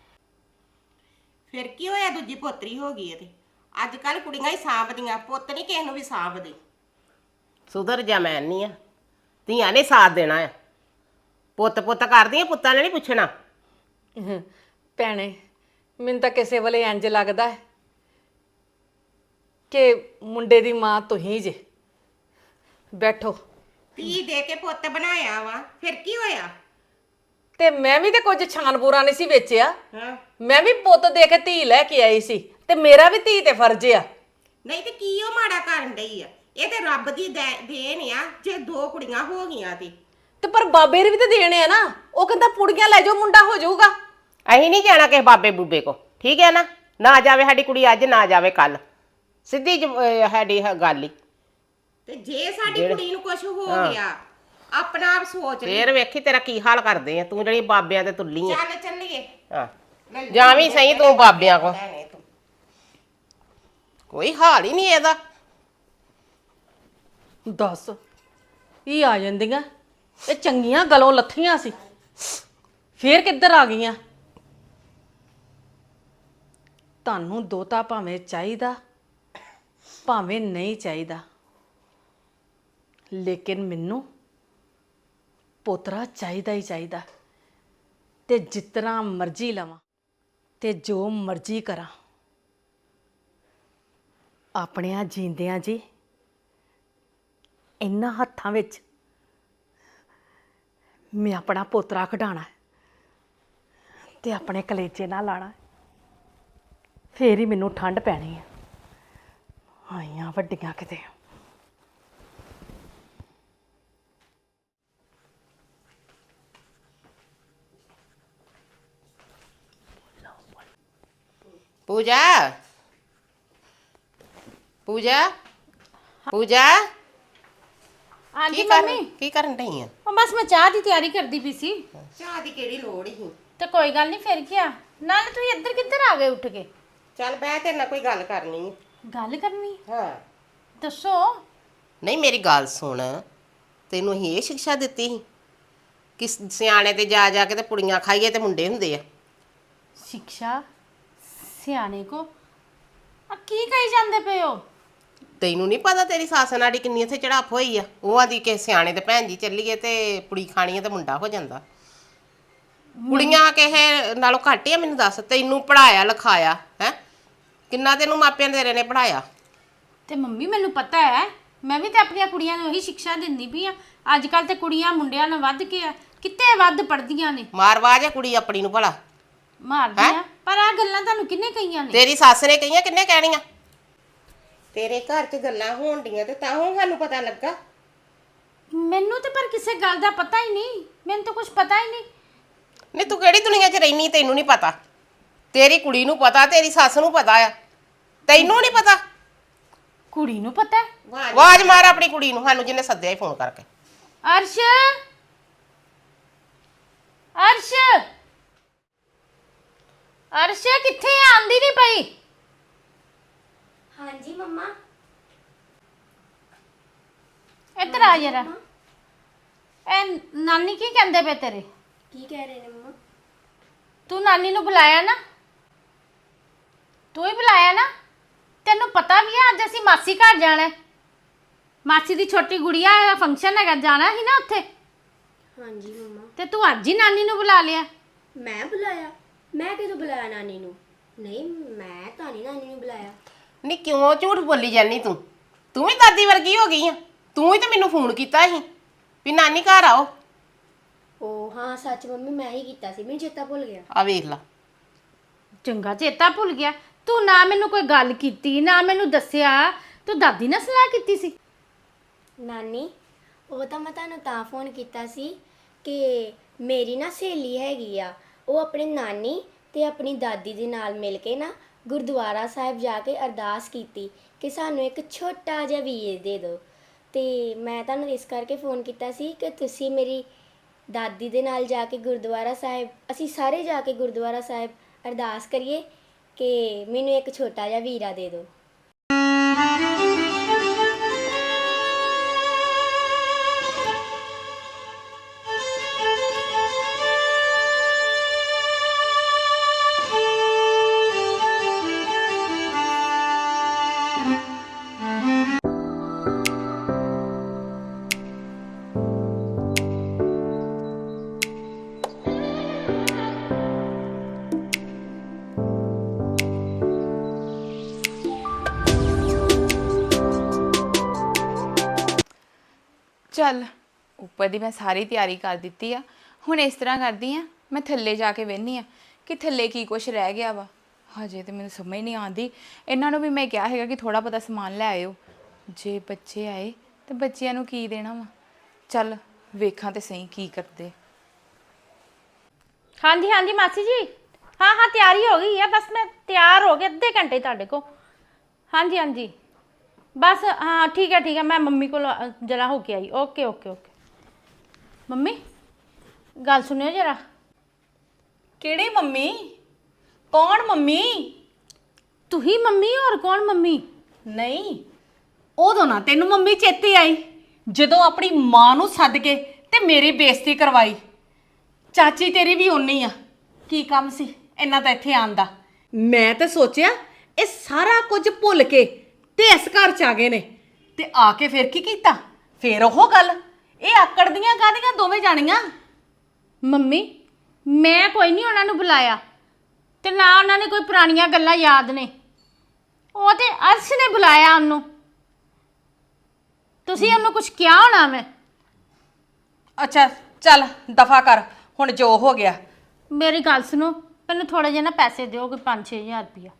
ਫਿਰ ਕੀ ਹੋਇਆ? ਦੂਜੀ ਪੋਤਰੀ ਹੋ ਗਈ ਹੈ ਤੇ ਅੱਜ ਕੱਲ ਕੁੜੀਆਂ ਹੀ ਸਾਂਭਦੀਆਂ, ਪੁੱਤ ਨਹੀਂ ਕਿਸੇ ਨੂੰ ਵੀ ਸਾਂਭਦੇ। ਸੁਧਰ ਜਾ, ਮੈਂ ਨਹੀਂ ਆ, ਧੀਆਂ ਨੇ ਸਾਥ ਦੇਣਾ ਆ। ਪੁੱਤ ਪੁੱਤ ਕਰਦੀਆਂ, ਪੁੱਤਾਂ ਨੇ ਨਹੀਂ ਪੁੱਛਣਾ। ਹਮ, ਭੈਣੇ ਮੈਨੂੰ ਤਾਂ ਕਿਸੇ ਵੇਲੇ ਇੰਜ ਲੱਗਦਾ ਹੈ ਕਿ ਮੁੰਡੇ ਦੀ ਮਾਂ ਤੁਸੀਂ ਜੇ। ਬੈਠੋ। ਧੀ ਦੇ ਕੇ ਪੁੱਤ ਬਣਾਇਆ ਵਾ, ਫਿਰ ਕੀ ਹੋਇਆ? ਤੇ ਮੈਂ ਵੀ ਤੇ ਕੁਝ ਛਾਨਪੂਰਾ ਨਹੀਂ ਸੀ ਵੇਚਿਆ, ਹਾਂ ਮੈਂ ਵੀ ਪੁੱਤ ਦੇ ਕੇ ਧੀ ਲੈ ਕੇ ਆਈ ਸੀ, ਤੇ ਮੇਰਾ ਵੀ ਧੀ ਤੇ ਫਰਜ਼ ਆ। ਨਹੀਂ ਤੇ ਕੀ ਉਹ ਮਾੜਾ ਕਰਨ ਡਈ ਆ? ਇਹ ਤੇ ਰੱਬ ਦੀ ਦੇ- ਦੇਣ ਆ ਜੇ ਦੋ ਕੁੜੀਆਂ ਹੋ ਗਈਆਂ ਤੇ। ਤੇ ਪਰ ਬਾਬੇ ਨੇ ਵੀ ਤੇ ਦੇਣੇ ਆ ਨਾ, ਉਹ ਕਹਿੰਦਾ ਪੁੜੀਆਂ ਲੈ ਜਾਓ ਮੁੰਡਾ ਹੋ ਜਾਊਗਾ। ਅਸੀਂ ਨਹੀਂ ਜਾਣਾ ਕਿਸੇ ਬਾਬੇ ਬੂਬੇ ਕੋ, ਠੀਕ ਹੈ ਨਾ? ਨਾ ਜਾਵੇ ਸਾਡੀ ਕੁੜੀ ਅੱਜ, ਨਾ ਜਾਵੇ ਕੱਲ, ਸਿੱਧੀ ਜ- ਅਹ ਸਾਡੀ ਹ- ਗੱਲ ਹੀ। ਤੇ ਜੇ ਸਾਡੀ ਕੁੜੀ ਨੂੰ ਕੁਝ ਹੋ ਗਿਆ, ਆਪਣਾ ਆਪ ਸੋਚ ਲੈ। ਫੇਰ ਵੇਖੀ ਤੇਰਾ ਕੀ ਹਾਲ ਕਰਦੇ ਆ ਤੂੰ, ਜਿਹੜੀ ਬਾਬਿਆਂ ਤੇ ਤੁੱਲੀ ਆ। ਚੱਲ ਚੱਲੀਏ। ਹਾਂ ਜਾਂ ਵੀ ਸਹੀ ਤੂੰ ਬਾਬਿਆਂ ਕੋ ਕੋਈ ਹਾਲ ਹੀ ਨਹੀਂ ਇਹਦਾ। ਦੱਸ ਇਹ ਆ ਜਾਂਦੀਆਂ, ਇਹ ਚੰਗੀਆਂ ਗਲੋਂ ਲੱਥੀਆਂ ਸੀ, ਫੇਰ ਕਿੱਧਰ ਆ ਗਈਆਂ? ਤੁਹਾਨੂੰ ਦੋਤਾ ਭਾਵੇਂ ਚਾਹੀਦਾ ਭਾਵੇਂ ਨਹੀਂ ਚਾਹੀਦਾ, ਲੇਕਿਨ ਮੈਨੂੰ ਪੋਤਰਾ ਚਾਹੀਦਾ ਹੀ ਚਾਹੀਦਾ। ਤੇ ਜਿਤਨਾ ਮਰਜ਼ੀ ਲਵਾਂ ਤੇ ਜੋ ਮਰਜ਼ੀ ਕਰਾਂ, ਆਪਣਿਆਂ ਜੀਂਦਿਆਂ ਜੀ ਇਹਨਾਂ ਹੱਥਾਂ ਵਿੱਚ ਮੈਂ ਆਪਣਾ ਪੋਤਰਾ ਕਢਾਣਾ ਤੇ ਆਪਣੇ ਕਲੇਜੇ ਨਾਲ ਲਾਣਾ, ਫੇਰ ਹੀ ਮੈਨੂੰ ਠੰਡ ਪੈਣੀ ਹੈ। ਆਈਆਂ ਵੱਡੀਆਂ ਕਿਤੇ। ਪੂਜਾ ਪੂਜਾ ਪੂਜਾ ਹਾਂਜੀ ਕੀ ਕਰ ਮੰਮੀ, ਕੀ ਕਰਨ ਢਈ ਆ? ਉਹ ਬਸ ਮੈਂ ਚਾਹ ਦੀ ਤਿਆਰੀ ਕਰਦੀ ਪਈ ਸੀ। ਚਾਹ ਦੀ ਕਿਹੜੀ ਲੋੜ ਹੀ? ਤੇ ਕੋਈ ਗੱਲ ਨਹੀਂ, ਫਿਰ ਕੀ ਆ, ਨਾਲੇ ਤੁਸੀਂ ਇੱਧਰ ਕਿੱਧਰ ਆ ਗਏ ਉੱਠ ਕੇ? ਚੱਲ ਬਹਿ, ਤੇਰੇ ਨਾਲ ਕੋਈ ਗੱਲ ਕਰਨੀ ਹੈ। ਗੱਲ ਕਰਨੀ? ਹਾਂ ਦੱਸੋ। ਨਹੀਂ ਮੇਰੀ ਗੱਲ ਸੁਣ, ਤੈਨੂੰ ਅਸੀਂ ਇਹ ਸਿੱਖਿਆ ਦਿੱਤੀ ਸੀ ਕਿ ਸਿਆਣੇ ਤੇ ਜਾ ਜਾ ਕੇ ਤੇ ਪੁੜੀਆਂ ਖਾਈਏ ਤੇ ਮੁੰਡੇ ਹੁੰਦੇ ਆ? ਸਿੱਖਿਆ ਸਿਆਣੇ ਕੋ ਆ ਕੀ ਕਹੀ ਜਾਂਦੇ ਪਏ ਹੋ? ਤੈਨੂੰ ਨਹੀਂ ਪਤਾ ਤੇਰੀ ਸੱਸ ਨਾੜੀ ਕਿੰਨੀ ਇੱਥੇ ਚੜਾਪ ਹੋਈ ਆ? ਉਹ ਆਂਦੀ ਕਿ ਸਿਆਣੇ ਤੇ ਭੈਣ ਜੀ ਚੱਲੀਏ ਤੇ ਪੁੜੀ ਖਾਣੀ ਹੈ ਤੇ ਮੁੰਡਾ ਹੋ ਜਾਂਦਾ। ਕੁੜੀਆਂ ਕਿਸੇ ਨਾਲੋਂ ਘੱਟ ਆ? ਮੈਨੂੰ ਦੱਸ, ਤੈਨੂੰ ਪੜਾਇਆ ਲਿਖਾਇਆ ਹੈ ਕਿੰਨਾ? ਤੈਨੂੰ ਮਾਪਿਆਂ ਤੇਰੇ ਨੇ ਪੜਾਇਆ? ਤੇ ਮੰਮੀ ਮੈਨੂੰ ਪਤਾ ਹੈ, ਮੈਂ ਵੀ ਤੇ ਆਪਣੀਆਂ ਕੁੜੀਆਂ ਨੂੰ ਇਹੀ ਸਿੱਖਿਆ ਦਿੰਦੀ ਪਈ ਆ। ਅੱਜ ਕੱਲ ਤੇ ਕੁੜੀਆਂ ਮੁੰਡਿਆਂ ਨਾਲ ਵੱਧ ਕੇ ਆ, ਕਿਤੇ ਵੱਧ ਪੜਦੀਆਂ ਨੇ। ਮਾਰਵਾਜ ਆ ਕੁੜੀ ਆਪਣੀ ਨੂੰ ਭਲਾ? ਮਾਰਦੀਆਂ, ਪਰ ਆ ਗੱਲਾਂ ਤੁਹਾਨੂੰ ਕਿੰਨੇ ਕਹੀਆਂ ਨੇ? ਤੇਰੀ ਸੱਸ ਨੇ ਕਹੀਆਂ, ਕਿੰਨੇ ਕਹਿਣੀਆਂ? ਤੇਰੇ ਘਰ 'ਚ ਗੱਲਾਂ ਹੋਣ ਡੀਆਂ ਤੇ ਤਾਂ ਹੁਣ ਸਾਨੂੰ ਪਤਾ ਲੱਗਾ। ਮੈਨੂੰ ਤੇ ਪਰ ਕਿਸੇ ਗੱਲ ਦਾ ਪਤਾ ਹੀ ਨਹੀਂ, ਮੈਨੂੰ ਤਾਂ ਕੁਝ ਪਤਾ ਹੀ ਨਹੀਂ। ਨਹੀਂ ਤੂੰ ਕਿਹੜੀ ਦੁਨੀਆ 'ਚ ਰਹਿਨੀ, ਤੈਨੂੰ ਨਹੀਂ ਪਤਾ? ਤੇਰੀ ਕੁੜੀ ਨੂੰ ਪਤਾ, ਤੇਰੀ ਸੱਸ ਨੂੰ ਪਤਾ ਆ, ਤੈਨੂੰ ਨਹੀਂ ਪਤਾ? ਕੁੜੀ ਨੂੰ ਪਤਾ ਹੈ? ਆਵਾਜ਼ ਮਾਰ ਆਪਣੀ ਕੁੜੀ ਨੂੰ, ਸਾਨੂੰ ਜਿਹਨੇ ਸੱਦਿਆ ਹੀ ਫੋਨ ਕਰਕੇ। ਅਰਸ਼, ਅਰਸ਼, ਅਰਸ਼ ਕਿੱਥੇ ਆ? ਆਂਦੀ ਨਹੀਂ ਪਈ। ਹਾਂਜੀ ਮੰਮਾ। ਇੱਧਰ ਆ ਜਰਾ। ਇਹ ਨਾਨੀ ਕੀ ਕਹਿੰਦੇ ਪਏ ਤੇਰੇ? ਕੀ ਕਹਿ ਰਹੇ ਨੇ ਮੰਮਾ? ਤੂੰ ਨਾਨੀ ਨੂੰ ਬੁਲਾਇਆ ਨਾ? ਤੂੰ ਹੀ ਬੁਲਾਇਆ ਨਾ? ਤੈਨੂੰ ਪਤਾ ਵੀ ਆ ਅੱਜ ਅਸੀਂ ਮਾਸੀ ਘਰ ਜਾਣਾ ਹੈ। ਮਾਸੀ ਦੀ ਛੋਟੀ ਗੁੜੀਆ ਦਾ ਫੰਕਸ਼ਨ ਹੈਗਾ, ਜਾਣਾ ਸੀ ਨਾ ਉੱਥੇ। ਹਾਂਜੀ ਮੰਮਾ। ਤੇ ਤੂੰ ਅੱਜ ਹੀ ਨਾਨੀ ਨੂੰ ਬੁਲਾ ਲਿਆ? ਮੈਂ ਬੁਲਾਇਆ? ਮੈਂ ਕਿਦੋਂ ਬੁਲਾਇਆ ਨਾਨੀ ਨੂੰ? ਨਹੀਂ, ਮੈਂ ਤਾਂ ਨਹੀਂ ਨਾਨੀ ਨੂੰ ਬੁਲਾਇਆ। ਨਹੀਂ ਕਿਉਂ ਝੂਠ ਬੋਲੀ ਜਾਨੀ ਤੂੰ? ਤੂੰ ਵੀ ਦਾਦੀ ਵਰਗੀ ਹੋ ਗਈ ਆ। ਤੂੰ ਹੀ ਤਾਂ ਮੈਨੂੰ ਫੋਨ ਕੀਤਾ ਸੀ ਵੀ ਨਾਨੀ ਘਰ ਆਓ। ਓ ਹਾਂ ਸੱਚ ਮੰਮੀ, ਮੈਂ ਹੀ ਕੀਤਾ ਸੀ, ਮੈਨੂੰ ਚੇਤਾ ਭੁੱਲ ਗਿਆ। ਆ ਵੇਖ ਲਾ। ਚੰਗਾ ਚੇਤਾ ਭੁੱਲ ਗਿਆ। ਤੂੰ ਨਾ ਮੈਨੂੰ ਕੋਈ ਗੱਲ ਕੀਤੀ, ਨਾ ਮੈਨੂੰ ਦੱਸਿਆ। ਤੂੰ ਦਾਦੀ ਨਾਲ ਸਲਾਹ ਕੀਤੀ ਸੀ? ਨਾਨੀ, ਉਹ ਤਾਂ ਮੈਂ ਤੁਹਾਨੂੰ ਤਾਂ ਫੋਨ ਕੀਤਾ ਸੀ ਕਿ ਮੇਰੀ ਨਾ ਸਹੇਲੀ ਹੈਗੀ ਆ, ਉਹ ਆਪਣੇ ਨਾਨੀ ਤੇ ਆਪਣੀ ਦਾਦੀ ਦੇ ਨਾਲ ਮਿਲ ਕੇ ਨਾ ਗੁਰਦੁਆਰਾ ਸਾਹਿਬ ਜਾ ਕੇ ਅਰਦਾਸ ਕੀਤੀ ਕਿ ਸਾਨੂੰ ਇੱਕ ਛੋਟਾ ਜਿਹਾ ਵੀਰ ਦੇ ਦਿਓ। ਤੇ ਮੈਂ ਤੁਹਾਨੂੰ ਇਸ ਕਰਕੇ ਫੋਨ ਕੀਤਾ ਸੀ ਕਿ ਤੁਸੀਂ ਮੇਰੀ ਦਾਦੀ ਦੇ ਨਾਲ ਜਾ ਕੇ ਗੁਰਦੁਆਰਾ ਸਾਹਿਬ, ਅਸੀਂ ਸਾਰੇ ਜਾ ਕੇ ਗੁਰਦੁਆਰਾ ਸਾਹਿਬ ਅਰਦਾਸ ਕਰੀਏ ਕਿ ਮੈਨੂੰ ਇੱਕ ਛੋਟਾ ਜਿਹਾ ਵੀਰਾ ਦੇ ਦਿਓ। ਚੱਲ ਉੱਪਰ ਦੀ ਮੈਂ ਸਾਰੀ ਤਿਆਰੀ ਕਰ ਦਿੱਤੀ ਆ। ਹੁਣ ਇਸ ਤਰ੍ਹਾਂ ਕਰਦੀ ਆ, ਮੈਂ ਥੱਲੇ ਜਾ ਕੇ ਵੇਖਦੀ ਆ ਕਿ ਥੱਲੇ ਕੀ ਕੁਛ ਰਹਿ ਗਿਆ ਵਾ। ਹਜੇ ਤੇ ਮੈਨੂੰ ਸਮਝ ਨਹੀਂ ਆਉਂਦੀ। ਇਹਨਾਂ ਨੂੰ ਵੀ ਮੈਂ ਕਿਹਾ ਹੈਗਾ ਕਿ ਥੋੜਾ ਬਹੁਤਾ ਸਮਾਨ ਲੈ ਆਇਓ। ਜੇ ਬੱਚੇ ਆਏ ਤੇ ਬੱਚਿਆਂ ਨੂੰ ਕੀ ਦੇਣਾ ਵਾ। ਚੱਲ ਵੇਖਾਂ ਤੇ ਸਹੀ ਕੀ ਕਰਦੇ। ਹਾਂਜੀ ਹਾਂਜੀ ਮਾਸੀ ਜੀ, ਹਾਂ ਹਾਂ ਤਿਆਰੀ ਹੋ ਗਈ ਹੈ। ਬਸ ਮੈਂ ਤਿਆਰ ਹੋ ਗਈ ਅੱਧੇ ਘੰਟੇ ਤੁਹਾਡੇ ਕੋਲ। ਹਾਂਜੀ ਹਾਂਜੀ ਬਸ, ਹਾਂ ਠੀਕ ਹੈ ਠੀਕ ਹੈ। ਮੈਂ ਮੰਮੀ ਕੋਲ ਜਰਾ ਹੋ ਕੇ ਆਈ। Okay okay okay. ਮੰਮੀ ਗੱਲ ਸੁਣਿਓ ਜਰਾ। ਕਿਹੜੀ ਮੰਮੀ? ਕੌਣ ਮੰਮੀ? ਤੂੰ ਹੀ ਮੰਮੀ ਹੋਰ ਕੌਣ ਮੰਮੀ? ਨਹੀਂ, ਉਦੋਂ ਨਾ ਤੈਨੂੰ ਮੰਮੀ ਚੇਤੇ ਆਈ ਜਦੋਂ ਆਪਣੀ ਮਾਂ ਨੂੰ ਸੱਦ ਕੇ ਤੇ ਮੇਰੀ ਬੇਇੱਜ਼ਤੀ ਕਰਵਾਈ। ਚਾਚੀ ਤੇਰੀ ਵੀ ਓਨੀ ਆ, ਕੀ ਕੰਮ ਸੀ ਇਹਨਾਂ ਦਾ ਇੱਥੇ ਆਉਣ ਦਾ? ਮੈਂ ਤਾਂ ਸੋਚਿਆ ਇਹ ਸਾਰਾ ਕੁਝ ਭੁੱਲ ਕੇ ਤੇ ਇਸ ਘਰ ਚ ਆ ਗਏ ਨੇ, ਤੇ ਆ ਕੇ ਫਿਰ ਕੀ ਕੀਤਾ? ਫਿਰ ਉਹ ਗੱਲ, ਇਹ ਆਕੜਦੀਆਂ ਕਾਹਦੀਆਂ ਦੋਵੇਂ ਜਾਣੀਆਂ? ਮੰਮੀ ਮੈਂ ਕੋਈ ਨਹੀਂ ਉਹਨਾਂ ਨੂੰ ਬੁਲਾਇਆ ਤੇ ਨਾ ਉਹਨਾਂ ਨੇ ਕੋਈ ਪੁਰਾਣੀਆਂ ਗੱਲਾਂ ਯਾਦ ਨੇ। ਉਹ ਤੇ ਅਰਸ਼ ਨੇ ਬੁਲਾਇਆ ਉਹਨੂੰ। ਤੁਸੀਂ ਉਹਨੂੰ ਕੁਝ ਕਿਹਾ ਹੋਣਾ ਮੈਂ। ਅੱਛਾ ਚੱਲ ਦਫਾ ਕਰ, ਹੁਣ ਜੋ ਹੋ ਗਿਆ। ਮੇਰੀ ਗੱਲ ਸੁਣੋ, ਮੈਨੂੰ ਥੋੜੇ ਜਿਹੇ ਨਾ ਪੈਸੇ ਦਿਓ, ਕੋਈ ਪੰਜ ਛੇ ਹਜ਼ਾਰ ਰੁਪਇਆ।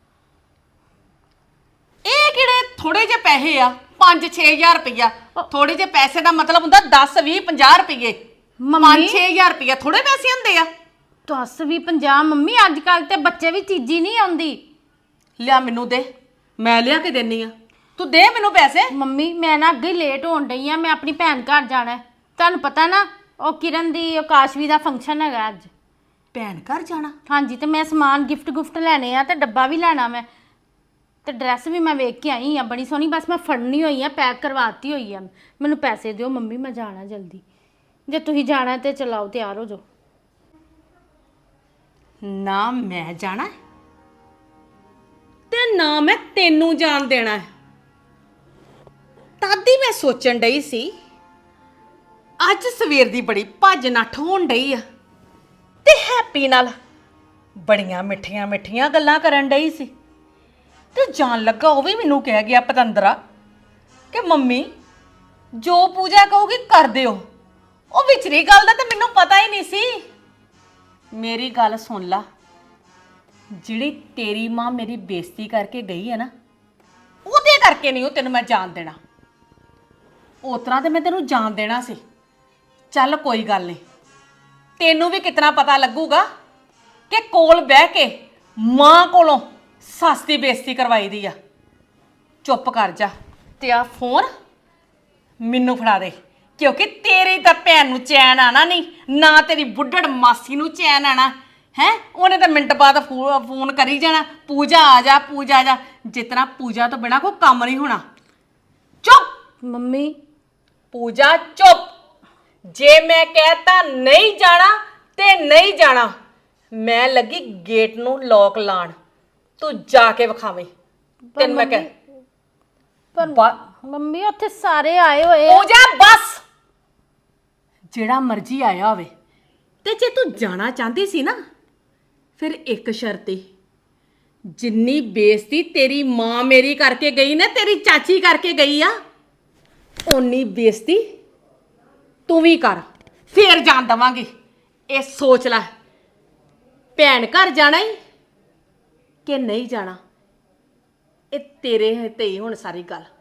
ਇਹ ਕਿਹੜੇ ਥੋੜੇ ਜਿਹੇ ਪੈਸੇ ਆ? ਪੰਜ ਛੇ ਹਜ਼ਾਰ ਰੁਪਈਆ ਥੋੜੇ ਜਿਹੇ ਪੈਸੇ ਦਾ ਮਤਲਬ ਹੁੰਦਾ ਦਸ ਵੀਹ ਪੰਜਾਹ ਰੁਪਈਏ। ਪੰਜ ਛੇ ਹਜ਼ਾਰ ਰੁਪਈਆ ਥੋੜੇ ਪੈਸੇ ਹੁੰਦੇ ਆ? ਦਸ ਵੀਹ ਪੰਜਾਹ ਮੰਮੀ, ਅੱਜ ਕੱਲ ਤੇ ਬੱਚੇ ਵੀ ਚੀਜ਼ੀ ਨਹੀਂ ਆਉਂਦੀ। ਲਿਆ ਮੈਨੂੰ ਦੇ, ਮੈਂ ਲਿਆ ਕੇ ਦੇਣੀ ਆ, ਤੂੰ ਦੇ ਮੈਨੂੰ ਪੈਸੇ। ਮੰਮੀ ਮੈਂ ਨਾ ਅੱਗੇ ਲੇਟ ਹੋਣ ਡਈ ਆ, ਮੈਂ ਆਪਣੀ ਭੈਣ ਘਰ ਜਾਣਾ ਹੈ। ਤੁਹਾਨੂੰ ਪਤਾ ਨਾ ਉਹ ਕਿਰਨ ਦੀ ਆਕਾਸ਼ਵੀ ਦਾ ਫੰਕਸ਼ਨ ਹੈਗਾ ਅੱਜ। ਭੈਣ ਘਰ ਜਾਣਾ? ਹਾਂਜੀ, ਤੇ ਮੈਂ ਸਮਾਨ ਗਿਫਟ ਗੁਫਟ ਲੈਣੇ ਆ ਤੇ ਡੱਬਾ ਵੀ ਲੈਣਾ ਮੈਂ, ਤੇ ਡਰੈਸ ਵੀ ਮੈਂ ਵੇਖ ਕੇ ਆਈ ਆ ਬੜੀ ਸੋਹਣੀ, ਬਸ ਮੈਂ ਫੜਨੀ ਹੋਈ ਆ, ਪੈਕ ਕਰਵਾਤੀ ਹੋਈ ਆ। ਮੈਨੂੰ ਪੈਸੇ ਦਿਓ ਮੰਮੀ, ਮੈਂ ਜਾਣਾ ਜਲਦੀ। ਜੇ ਤੁਸੀਂ ਜਾਣਾ ਤੇ ਚਲਾਓ, ਤਿਆਰ ਹੋ ਜਾਓ। ਨਾ ਮੈਂ ਜਾਣਾ ਤੇ ਨਾ ਮੈਂ ਤੈਨੂੰ ਜਾਣ ਦੇਣਾ ਹੈ। ਤਦ ਹੀ ਮੈਂ ਸੋਚਣ ਡਈ ਸੀ ਅੱਜ ਸਵੇਰ ਦੀ ਬੜੀ ਭੱਜ ਨੱਠ ਹੋਣ ਡਈ ਆ ਤੇ ਹੈਪੀ ਨਾਲ ਬੜੀਆਂ ਮਿੱਠੀਆਂ ਮਿੱਠੀਆਂ ਗੱਲਾਂ ਕਰਨ ਡਈ ਸੀ, ਤੇ ਜਾਣ ਲੱਗਾ ਉਹ ਵੀ ਮੈਨੂੰ ਕਹਿ ਗਿਆ ਪਤੰਦਰਾ ਕਿ ਮੰਮੀ ਜੋ ਪੂਜਾ ਕਹੋਗੀ ਕਰ ਦਿਓ। ਉਹ ਵਿਚਰੀ ਗੱਲ ਦਾ ਤਾਂ ਮੈਨੂੰ ਪਤਾ ਹੀ ਨਹੀਂ ਸੀ। ਮੇਰੀ ਗੱਲ ਸੁਣ ਲਾ, ਜਿਹੜੀ ਤੇਰੀ ਮਾਂ ਮੇਰੀ ਬੇਇੱਜ਼ਤੀ ਕਰਕੇ ਗਈ ਹੈ ਨਾ, ਉਹਦੇ ਕਰਕੇ ਨਹੀਂ ਉਹ ਤੈਨੂੰ ਮੈਂ ਜਾਣ ਦੇਣਾ। ਉਸ ਤਰ੍ਹਾਂ ਤੇ ਮੈਂ ਤੈਨੂੰ ਜਾਣ ਦੇਣਾ ਸੀ। ਚੱਲ ਕੋਈ ਗੱਲ ਨਹੀਂ, ਤੈਨੂੰ ਵੀ ਕਿਤਨਾ ਪਤਾ ਲੱਗੂਗਾ ਕਿ ਕੋਲ ਬਹਿ ਕੇ ਮਾਂ ਕੋਲੋਂ ਸੱਸ ਦੀ ਬੇਇੱਜ਼ਤੀ ਕਰਵਾਈ ਦੀ ਆ। ਚੁੱਪ ਕਰ ਜਾ ਤੇ ਆ ਫੋਨ ਮੈਨੂੰ ਫੜਾ ਦੇ, ਕਿਉਂਕਿ ਤੇਰੀ ਤਾਂ ਭੈਣ ਨੂੰ ਚੈਨ ਆਣਾ ਨਹੀਂ, ਨਾ ਤੇਰੀ ਬੁੱਢੜ ਮਾਸੀ ਨੂੰ ਚੈਨ ਆਣਾ ਹੈ। ਉਹਨੇ ਤਾਂ ਮਿੰਟ ਬਾਅਦ ਫੋਨ ਕਰੀ ਜਾਣਾ, ਪੂਜਾ ਆ ਜਾ ਪੂਜਾ ਆ ਜਾ। ਜਿਤਨਾ ਪੂਜਾ ਤੋਂ ਬਿਨਾ ਕੋਈ ਕੰਮ ਨਹੀਂ ਹੋਣਾ। ਚੁੱਪ ਮੰਮੀ ਪੂਜਾ ਚੁੱਪ। ਜੇ ਮੈਂ ਕਹਿਤਾ ਨਹੀਂ ਜਾਣਾ ਤੇ ਨਹੀਂ ਜਾਣਾ। ਮੈਂ ਲੱਗੀ ਗੇਟ ਨੂੰ ਲੋਕ ਲਾਣ, ਤੂੰ ਜਾ ਕੇ ਵਿਖਾਵੇਂ। ਤੈਨੂੰ ਮੈਂ ਕਹਿ ਪਰ ਮੰਮੀ ਉੱਥੇ ਸਾਰੇ ਆਏ ਹੋਏ ਆ। ਪੂਜਾ ਬਸ, ਜਿਹੜਾ ਮਰਜ਼ੀ ਆਇਆ ਹੋਵੇ, ਤੇ ਜੇ ਤੂੰ ਜਾਣਾ ਚਾਹੁੰਦੀ ਸੀ ਨਾ, ਫਿਰ ਇੱਕ ਸ਼ਰਤ ਈ, ਜਿੰਨੀ ਬੇਇੱਜ਼ਤੀ ਤੇਰੀ ਮਾਂ ਮੇਰੀ ਕਰਕੇ ਗਈ ਨਾ, ਤੇਰੀ ਚਾਚੀ ਕਰਕੇ ਗਈ ਆ, ਓਨੀ ਬੇਇੱਜ਼ਤੀ ਤੂੰ ਵੀ ਕਰ, ਫੇਰ ਜਾਣ ਦਵਾਂਗੀ। ਇਹ ਸੋਚ ਲੈ, ਭੈਣ ਘਰ ਜਾਣਾ ਹੀ ਕਿ ਨਹੀਂ ਜਾਣਾ, ਇਹ ਤੇਰੇ ਤੇ ਹੀ ਹੁਣ ਸਾਰੀ ਗੱਲ।